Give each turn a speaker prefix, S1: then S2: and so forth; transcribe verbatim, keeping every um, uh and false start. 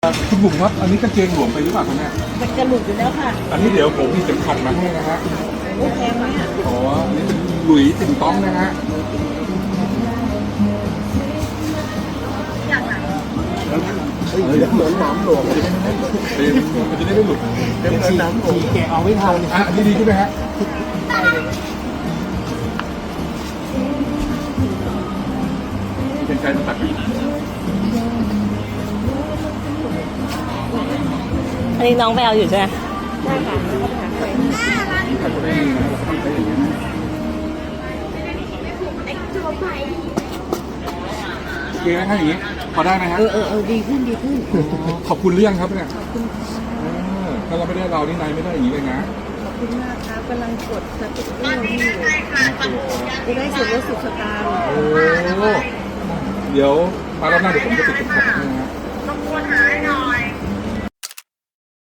S1: คุณบุ๋มครับอันนี้กางเกงหลวมไปหรือเปล่าครับเนี่ย
S2: มันจะหลุดอยู่แล้วค่ะ
S1: อันนี้เดี๋ยวผมมีเข็มขัดมาให้นะฮะ
S2: โอ้แพงไหมอ่ะ
S1: อ๋ออันนี้เป็นหลุยส์ติ่งต้องนะฮะ
S3: เฮ้ยเหมือนน้ำหลวง
S1: มันจะได้ไม่หลุดมันจะได้ไม่หลุด
S3: เหมือนน้ำหลวงแกเอาไม่ทัน
S1: อ่ะอันนี้ดีใช่ไหมฮะเป็นการตัด
S2: อันนี้น้องไปเอาอยู่ใช่ไหม
S1: ที่ขัดจะได้ดีนะเราทำได้อย่างนี้นะโอเคไหมถ้าอย่างนี้พอได้ไหมฮะ
S2: เออเออเออดีขึ้นดีขึ้น
S1: ขอบคุณหรือยังครับเนี่ยเออถ้าเราไม่ได้เรานี่นายไม่ได้อย่างนี้เลยนะ
S2: ขอบคุณมากครับกำลังกดสติ๊กเกอร์ที่อยู่จะได้ส่วนลดสิบสตางค์
S1: โอ้เดี๋ยวมารอบหน้าเดี๋ยวผมจะติดเข็มขัดให้นะฮะ